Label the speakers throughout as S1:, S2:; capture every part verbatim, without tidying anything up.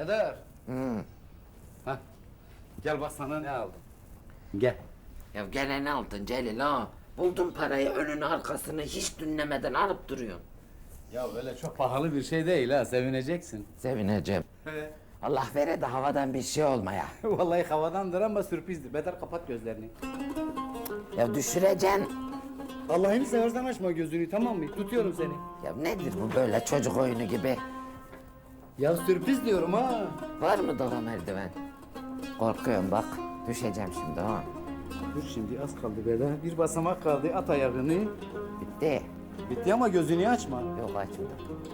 S1: Bedar.
S2: Hmm.
S1: Hah. Gel bak sana ne aldım. Gel.
S2: Ya gene ne aldın Celil ha? Buldun parayı önünü arkasını hiç dinlemeden alıp duruyorsun.
S1: Ya böyle çok pahalı bir şey değil ha, sevineceksin.
S2: Sevineceğim. Allah vere de havadan bir şey olmaya.
S1: Vallahi havadandır ama sürprizdir. Bedar kapat gözlerini.
S2: Ya düşüreceksin.
S1: Allah'ını seversen açma gözünü, tamam mı? Tutuyorum seni.
S2: Ya nedir bu böyle çocuk oyunu gibi?
S1: Ya sürpriz diyorum ha.
S2: Var mı daha merdiven? Korkuyorum bak. Düşeceğim şimdi ha.
S1: Dur şimdi az kaldı Bedar. Bir basamak kaldı, at ayağını.
S2: Bitti.
S1: Bitti ama gözünü açma.
S2: Yok açmadım.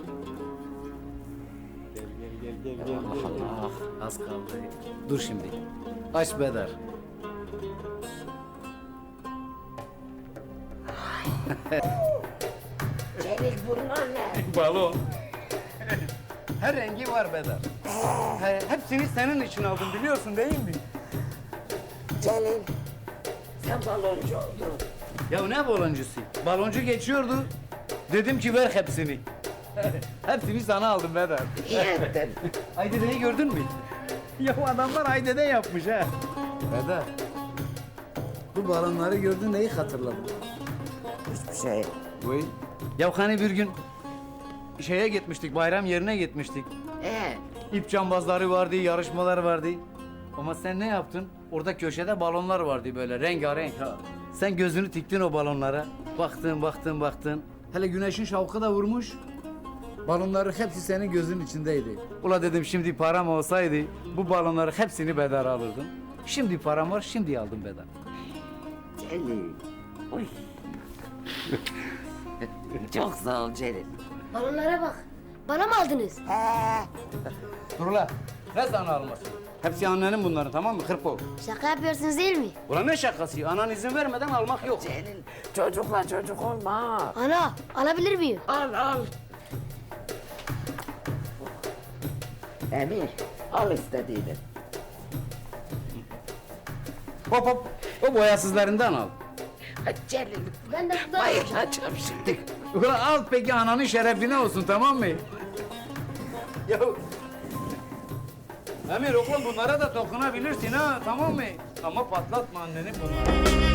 S1: Gel gel gel gel
S2: Ya
S1: gel.
S2: Allah
S1: gel.
S2: Allah.
S1: Az kaldı. Dur şimdi. Aç Bedar.
S2: Celil bunlar ne?
S1: Balon. Her rengi var Bedar. He, hepsini senin için aldım biliyorsun değil mi?
S2: Celil. Sen baloncu oldun.
S1: Ya ne baloncusu? Baloncu geçiyordu. Dedim ki ver hepsini. Hepsini sana aldım Bedar.
S2: İyi ettin.
S1: Aydede'yi gördün mü? Ya adamlar Aydede yapmış ha. Bedar. Bu balonları gördün neyi hatırladın?
S2: Hiçbir şey.
S1: Vay. Ya hani bir gün şeye gitmiştik, bayram yerine gitmiştik.
S2: Ee,
S1: İp cambazları vardı, yarışmalar vardı. Ama sen ne yaptın? Orada köşede balonlar vardı böyle rengarenk ha. Sen gözünü tiktin o balonlara. Baktın, baktın, baktın. Hele güneşin şavkı da vurmuş. Balonların hepsi senin gözün içindeydi. Ula dedim şimdi param olsaydı bu balonları hepsini Bedar alırdım. Şimdi param var, şimdi aldım Bedar.
S2: Celil. Uy. Çok sağ ol Celil.
S3: Balonlara bak. Bana mı aldınız?
S2: He.
S1: Dur ula, ne sana almasın? Hepsi annenin bunların, tamam mı? Hırpo.
S3: Şaka yapıyorsunuz değil mi?
S1: Ulan ne şakası? Anan izin vermeden almak yok.
S2: Celil çocukla çocuk olma.
S3: Ana alabilir miyim?
S2: Al al. Emir al istediğini.
S1: Hop hop, o boyasızlarından al.
S2: Ha, Celil
S3: Ben de bundan
S2: bayılacağım şimdi.
S1: Ulan al peki ananın şerefine olsun, tamam mı? Ya... Emir oğlum bunlara da dokunabilirsin ha, tamam mı? Ama patlatma annenin bunları.